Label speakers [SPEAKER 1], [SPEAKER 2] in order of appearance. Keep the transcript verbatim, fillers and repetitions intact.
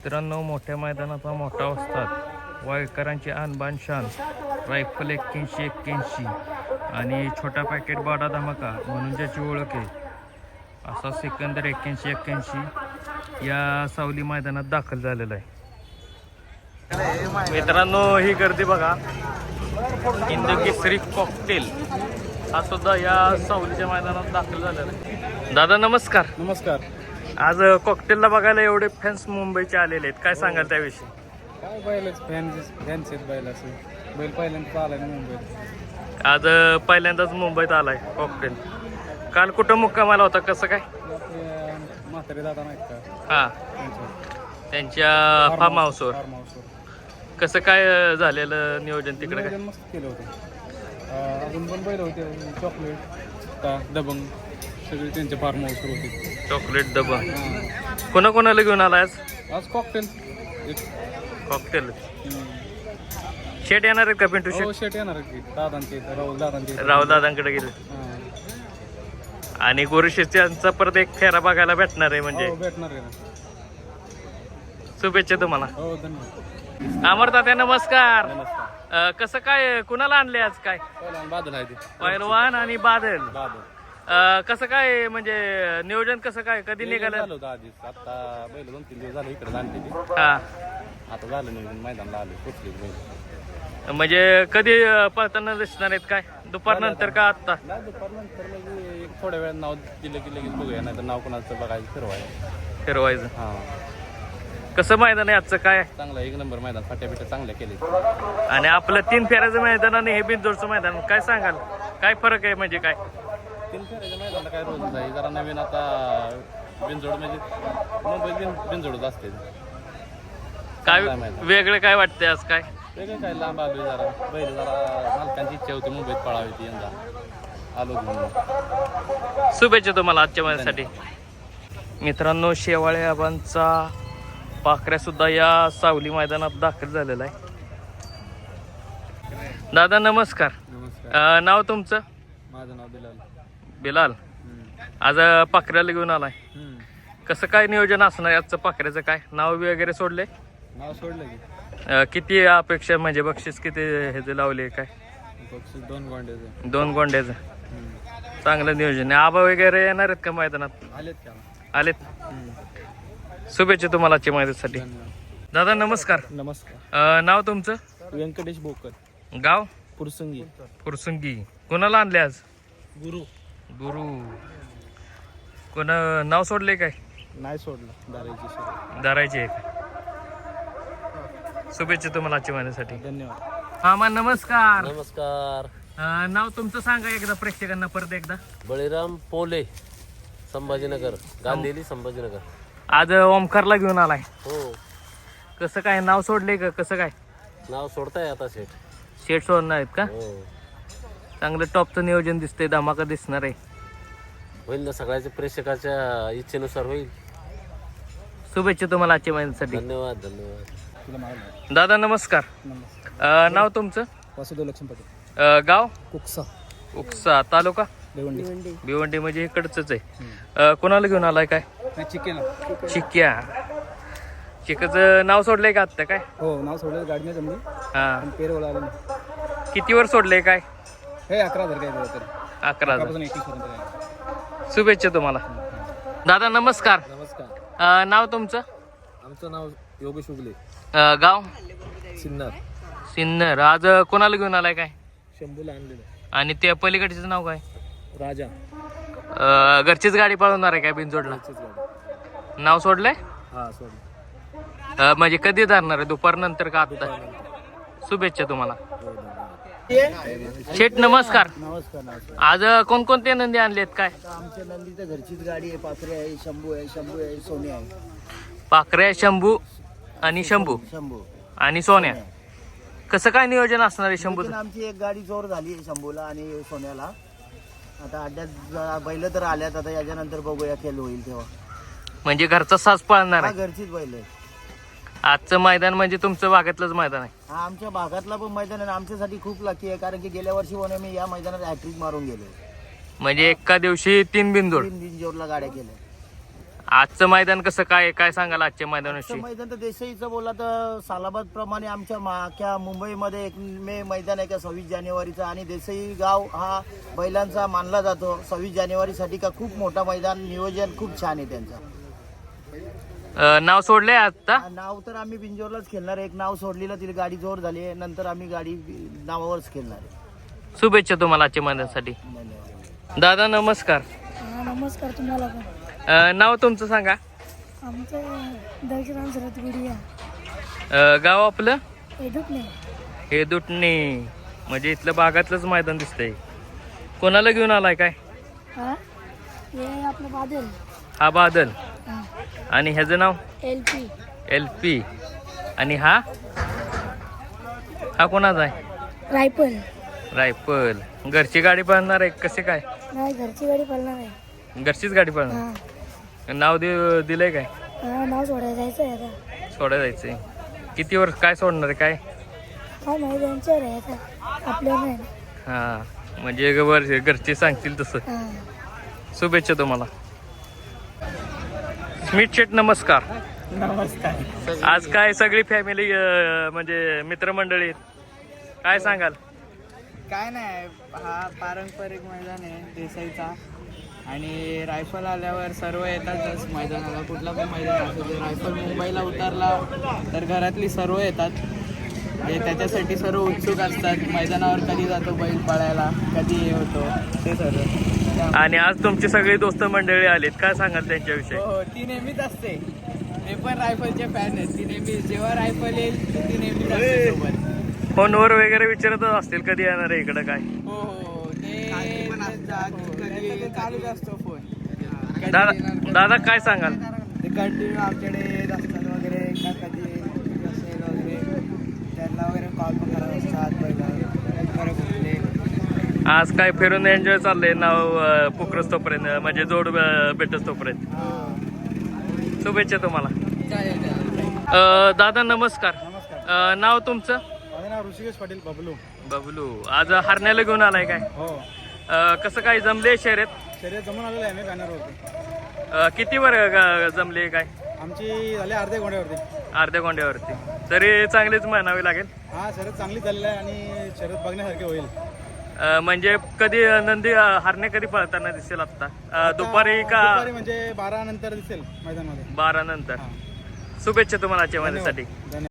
[SPEAKER 1] मित्रांनो, मोठ्या मैदानाचा मोठा वस्ताद, वायकरांची आणबाण शान, रायफल एक्क्याऐंशी एक्क्याऐंशी आणि छोटा पॅकेट बाडा धमाका म्हणून ज्याची ओळख आहे असा सिकंदर एक्क्याऐंशी एक्क्याऐंशी या सावली मैदानात दाखल झालेला आहे. मित्रांनो, ही गर्दी बघा. हिंद केसरी कॉकटेल हा सुद्धा या सावलीच्या मैदानात दाखल झालेला आहे. दादा नमस्कार.
[SPEAKER 2] नमस्कार.
[SPEAKER 1] आज कॉकटेलला बघायला एवढे फॅन्स मुंबईचे आलेले आहेत, काय सांगाल त्याविषयी?
[SPEAKER 2] काय बैलच फॅन्स फॅन्स आहेत बैल असे. बैल पहिल्यांदा आलाय मुंबईत.
[SPEAKER 1] आज पहिल्यांदाच मुंबईत आलाय कॉकटेल. काल कुठं मुक्कामाला होता, कसं काय?
[SPEAKER 2] आपले म्हातारे दादा नाहीत का,
[SPEAKER 1] हा,
[SPEAKER 2] त्यांच्या
[SPEAKER 1] त्यांच्या फार्म हाऊसवर.
[SPEAKER 2] फार्म हाऊसवर
[SPEAKER 1] कसं काय झालेलं नियोजन तिकडे? काय
[SPEAKER 2] नियोजन मस्त केलं होतं. अं, अजून पण बैल होते, चॉकलेट का दबंग सगळे त्यांच्या फार्म हाऊसवर होते.
[SPEAKER 1] चॉकलेट डबा कोणा कोणाला घेऊन आला आज?
[SPEAKER 2] आज कॉकटेल
[SPEAKER 1] कॉकटेल शेट येणार आहेत का? पिंटू शेट
[SPEAKER 2] हो, शेट येणार की दादांचे इथं, राहुल दादांचे इथं.
[SPEAKER 1] राहुल दादांकडे गेले
[SPEAKER 2] हां.
[SPEAKER 1] आणि गोरुशेचा परत एक फेरा बघायला भेटणार आहे म्हणजे.
[SPEAKER 2] हो, भेटणार आहे ना.
[SPEAKER 1] शुभेच्छा तुम्हाला.
[SPEAKER 2] हो, धन्यवाद.
[SPEAKER 1] अमर तात्या नमस्कार.
[SPEAKER 2] नमस्कार.
[SPEAKER 1] अं, कसं काय, कुणाला आणले आज? काय
[SPEAKER 2] पहिला बादल आहे ते.
[SPEAKER 1] पैलवान आणि बादल.
[SPEAKER 2] बादल
[SPEAKER 1] अं, कसं काय म्हणजे नियोजन कसं काय, कधी निघालं?
[SPEAKER 2] झालं होतं आधीच. आता बैल दोन तीन दिवस झाले इकडे आणलेली.
[SPEAKER 1] हा,
[SPEAKER 2] आता झालं नाही, मैदानला आले कुठली बैल.
[SPEAKER 1] म्हणजे कधी अं, पळताना दिसणार आहेत? काय दुपार नंतर का आत्ता?
[SPEAKER 2] नाही, दुपारनंतर म्हणजे एक थोड्या वेळ नाव दिलं की लगेच बघूया, नाही तर नाव कोणाचं बघायचं फिरवायचं.
[SPEAKER 1] फिरवायचं.
[SPEAKER 2] हां,
[SPEAKER 1] कसं मैदान आहे आजचं? काय
[SPEAKER 2] चांगलं एक नंबर मैदान, फाट्या बिट्या चांगल्या केले.
[SPEAKER 1] आणि आपलं तीन फेऱ्याचं मैदान आणि हे बिनजोडचं मैदान, काय सांगाल? काय फरक आहे म्हणजे? काय
[SPEAKER 2] तीन फेऱ्याच्या मैदानाला काय रोज आहे, जरा नवीन आता बिनजोड म्हणजे मुंबईत बिन बिनजोडच असते.
[SPEAKER 1] काय
[SPEAKER 2] चांगलं आहे मैदान.
[SPEAKER 1] वेगळं काय वाटतंय आज? काय
[SPEAKER 2] वेगळं काय, लांब आलो जरा बैल, जरा मालकांची इच्छा होती मुंबईत पळावी ती, यंदा आलो घेऊन.
[SPEAKER 1] शुभेच्छा तुम्हाला आजच्या माझ्यासाठी. मित्रांनो, शेवाळे आबांचा पाखऱ्या सुद्धा या सावली मैदानात दाखल झालेला आहे. दादा नमस्कार.
[SPEAKER 2] नमस्कार.
[SPEAKER 1] अं, नाव तुमचं?
[SPEAKER 2] माझं नाव बिलाल.
[SPEAKER 1] बिलाल. आज पाखऱ्याला घेऊन आलाय, कसं काय नियोजन असणार आजचं? पाखऱ्याचं काय नाव वगैरे सोडले?
[SPEAKER 2] नाव सोडलं की
[SPEAKER 1] अं, किती अपेक्षा म्हणजे बक्षीस किती ह्याचे लावले? काय
[SPEAKER 2] बक्षीस दोन गोंड्याचं.
[SPEAKER 1] दोन गोंड्याचं. चांगलं नियोजन आहे. आबा वगैरे येणार आहेत का मैदानात?
[SPEAKER 2] आलेत का?
[SPEAKER 1] आलेत. शुभेच्छा तुम्हाला आजच्या मैदानासाठी. दादा नमस्कार.
[SPEAKER 2] नमस्कार.
[SPEAKER 1] अं, नाव तुमचं?
[SPEAKER 2] व्यंकटेश बोकर,
[SPEAKER 1] गाव?
[SPEAKER 2] पुरसंगी.
[SPEAKER 1] फुरसुंगी. कोणाला आणले आज?
[SPEAKER 2] गुरु.
[SPEAKER 1] गुरु. कोणा नाव सोडले काय?
[SPEAKER 2] नाही सोडलं, दाराची सोड.
[SPEAKER 1] दारायचे आहे का? शुभेच्छा तुम्हाला आजच्या महिन्यासाठी.
[SPEAKER 2] धन्यवाद.
[SPEAKER 1] मामा नमस्कार.
[SPEAKER 3] नमस्कार.
[SPEAKER 1] अं, नाव तुमचं सांगा एकदा प्रेक्षकांना परत एकदा.
[SPEAKER 3] बळीराम पोले, संभाजीनगर, गांधीली संभाजीनगर.
[SPEAKER 1] आज ओमकारला घेऊन आलाय,
[SPEAKER 3] हो.
[SPEAKER 1] कसं काय नाव सोडले का? कसं काय
[SPEAKER 3] नाव सोडताय आता शेठ.
[SPEAKER 1] शेट सोडणार आहेत का?
[SPEAKER 3] हो,
[SPEAKER 1] चांगलं टॉपचं नियोजन दिसतंय, धमाका दिसणार आहे.
[SPEAKER 3] होईल ना, सगळ्याच्या प्रेक्षकाच्या इच्छेनुसार होईल.
[SPEAKER 1] शुभेच्छा तुम्हाला आजच्या महिन्यासाठी.
[SPEAKER 3] धन्यवाद. धन्यवाद.
[SPEAKER 2] तुला माहिती.
[SPEAKER 1] दादा नमस्कार.
[SPEAKER 2] नमस्कार.
[SPEAKER 1] अं, नाव तुमचं?
[SPEAKER 2] वासुदेव लक्ष्मी पाटील,
[SPEAKER 1] अं, गाव?
[SPEAKER 2] कुकसा,
[SPEAKER 1] उपसा, तालुका
[SPEAKER 2] देवंडी.
[SPEAKER 1] भिवंडी. म्हणजे इकडचंच आहे. अं, कोणाला घेऊन आलाय? काय
[SPEAKER 2] चिकेन.
[SPEAKER 1] चिक्या. चिकाचं नाव सोडलंय का आत्ता? काय
[SPEAKER 2] हो, नाव सोडलं, गाडी नाही जमली,
[SPEAKER 1] हा,
[SPEAKER 2] पण पेरवला आलं नाही.
[SPEAKER 1] किती वर सोडलंय? काय
[SPEAKER 2] हे अकरा हजार काय दिलं तर
[SPEAKER 1] अकरा हजार.
[SPEAKER 2] अकरापासून एकवीस पर्यंत आहे.
[SPEAKER 1] शुभेच्छा तुम्हाला. दादा नमस्कार.
[SPEAKER 2] नमस्कार.
[SPEAKER 1] अं, नाव तुमचं?
[SPEAKER 2] आमचं नाव योगेश उगले,
[SPEAKER 1] अं, गाव?
[SPEAKER 2] सिन्नर.
[SPEAKER 1] सिन्नर. आज कोणाला घेऊन आलाय? काय
[SPEAKER 2] शंभूला आणलेलं.
[SPEAKER 1] आणि त्या पलीकडचं नाव काय?
[SPEAKER 2] राजा.
[SPEAKER 1] अं, घरचीच गाडी पळवणार आहे काय बिनजोडला?
[SPEAKER 2] गाडी.
[SPEAKER 1] नाव सोडलंय?
[SPEAKER 2] हा, सोड.
[SPEAKER 1] अं, म्हणजे कधी धरणार आहे, दुपार नंतर का आत्ता? शुभेच्छा तुम्हाला. शेठ नमस्कार.
[SPEAKER 4] नमस्कार. नमस्कार.
[SPEAKER 1] आज कोणकोणते नंदी आणलेत? काय
[SPEAKER 4] आमच्या नंदीचं घरचीच गाडी आहे, पाखरे आहे, शंभू आहे, शंभू आहे, सोन्या आहे.
[SPEAKER 1] पाखऱ्या, शंभू आणि शंभू
[SPEAKER 4] शंभू
[SPEAKER 1] आणि सोन्या. कसं काय नियोजन असणार आहे शंभूचं?
[SPEAKER 4] पण आमची एक गाडी जोर झाली आहे शंभूला आणि सोन्याला. आता अड्ड्यात बैल तर आल्यात, आता याच्यानंतर बघूया खेळ होईल तेव्हा.
[SPEAKER 1] म्हणजे घरचा साज पळणार
[SPEAKER 4] हा,
[SPEAKER 1] आहे.
[SPEAKER 4] घरचीच बैल आहे.
[SPEAKER 1] आजचं मैदान म्हणजे तुमचं भागातलंच मैदान आहे.
[SPEAKER 4] हा, आमच्या भागातला पण मैदान आहे. आमच्यासाठी खूप लकी आहे, कारण की गेल्या वर्षी पण मी या मैदानात हॅट्रिक मारून गेलो.
[SPEAKER 1] म्हणजे एका दिवशी तीन बिनजोड.
[SPEAKER 4] तीन बिनजोडला गाड्या केल्या.
[SPEAKER 1] आजचं मैदान कसं काय काय सांगाल आजच्या
[SPEAKER 4] आजचं
[SPEAKER 1] मैदानाविषयी?
[SPEAKER 4] मैदान तर देसाईचं बोला तर सालाबाद प्रमाणे आमच्या माख्या मुंबईमध्ये एक मे मैदान आहे का सव्वीस जानेवारीचा, आणि देसाई गाव हा बैलांचा मानला जातो सव्वीस जानेवारीसाठी का खूप मोठा मैदान, नियोजन खूप छान आहे त्यांचं.
[SPEAKER 1] अं, नाव सोडलंय आता?
[SPEAKER 4] नाव तर आम्ही बिंजोरलाच खेळणार आहे. एक नाव सोडलेलं, तिला गाडी जोर झाली आहे, नंतर आम्ही गाडी नावावरच खेळणार आहे.
[SPEAKER 1] शुभेच्छा तुम्हाला आजच्या मैदानासाठी.
[SPEAKER 4] धन्यवाद.
[SPEAKER 1] दादा नमस्कार.
[SPEAKER 5] नमस्कार तुम्हाला पण.
[SPEAKER 1] अं, नाव तुमचं सांगा.
[SPEAKER 5] आमचं दक्षिण सरत गुडिया
[SPEAKER 1] अं, गाव आपलं
[SPEAKER 5] एडूक नाही.
[SPEAKER 1] हे दुटणे, म्हणजे इथलं भागातलंच मैदान दिसतंय. कोणाला घेऊन आलाय काय?
[SPEAKER 5] हा हे आपलं बादल.
[SPEAKER 1] हा बादल.
[SPEAKER 5] हा
[SPEAKER 1] आणि ह्याचं नाव
[SPEAKER 5] एल पी.
[SPEAKER 1] L P. आणि हा हा कोणाचा आहे?
[SPEAKER 5] रायफल.
[SPEAKER 1] रायफल. घरची गाडी पळणार आहे कसे काय?
[SPEAKER 5] नाही घरची गाडी पडणार आहे.
[SPEAKER 1] घरचीच गाडी पळणार.
[SPEAKER 5] हा
[SPEAKER 1] नाव दे दिलंय काय?
[SPEAKER 5] हा नाव सोडायला जायचं आहे आता.
[SPEAKER 1] सोडा जायचंय. किती वर्ष काय सोडणार आहे काय?
[SPEAKER 5] काय नाही त्यांच्यावर आहे आता, आपल्या नाही.
[SPEAKER 1] हा म्हणजे वर घरचे सांगतील तसं.
[SPEAKER 5] हा
[SPEAKER 1] शुभेच्छा तुम्हाला. स्मित शेट नमस्कार.
[SPEAKER 6] नमस्कार.
[SPEAKER 1] आज काय सगळी फॅमिली म्हणजे मित्रमंडळी आहेत. काय सांगाल?
[SPEAKER 6] काय नाही, हा पारंपरिक मैदान आहे देसाईचा, आणि रायफल आल्यावर सर्व येतातच मैदानाला. कुठला पण मैदान असू दे, रायफल मुंबईला उतरला तर घरातली सर्व येतात. हे त्याच्यासाठी सर्व उत्सुक असतात. मैदानावर कधी जातो बैल पळायला, कधी हे होतो ते सर्व.
[SPEAKER 1] आणि आज तुमची सगळी दोस्त मंडळी आलीत, काय सांगाल त्यांच्याविषयी?
[SPEAKER 6] हो, ती नेहमीच असते. ते पण रायफलचे फॅन आहेत. ती नेहमी जेव्हा रायफल येईल ती नेहमीच असते सोबत.
[SPEAKER 1] फोनवर वगैरे विचारत असतील कधी येणार आहे इकडं काय?
[SPEAKER 6] हो हो, ते कधी चालूच असतो फोन. कधी
[SPEAKER 1] दादा
[SPEAKER 6] येणार,
[SPEAKER 1] दादा काय सांगाल?
[SPEAKER 6] ते कंटिन्यू आमच्याकडे येत असतात वगैरे, का कधी असेल वगैरे त्यांना वगैरे कॉल पण करत असतात पहिला बरं कुठले.
[SPEAKER 1] आज काय फिरून एन्जॉय चाललंय नाव पुकरस तोपर्यंत, म्हणजे जोड भेटस तोपर्यंत. शुभेच्छा तुम्हाला.
[SPEAKER 6] चालेल चालेल.
[SPEAKER 1] अं, दादा नमस्कार. अं, नाव तुमचं?
[SPEAKER 7] माझं नाव ऋषिकेश पाटील बबलू.
[SPEAKER 1] बबलू. आज हरण्याला घेऊन आलाय काय?
[SPEAKER 7] हो,
[SPEAKER 1] अं, कसं काय जमले शर्यत?
[SPEAKER 7] शर्यत जमून आलेलं आहे मी बॅनरवरती.
[SPEAKER 1] अं, किती वर ग- जमले काय?
[SPEAKER 7] आमची झाली अर्ध्या गोंड्यावरती.
[SPEAKER 1] अर्ध्या गोंड्यावरती. तरी चांगलीच म्हणावी लागेल.
[SPEAKER 7] हा, शर्यत चांगली चाललेली आहे आणि शर्यत बघण्यासारखी होईल.
[SPEAKER 1] अं, म्हणजे कधी नंदी अं, हरणे कधी पळताना दिसेल आता? अं, दुपारी का
[SPEAKER 7] दुपारी म्हणजे बारा नंतर दिसेल मैदानामध्ये.
[SPEAKER 1] बारा नंतर? शुभेच्छा तुम्हाला आजच्या माझ्यासाठी.
[SPEAKER 7] धन्यवाद.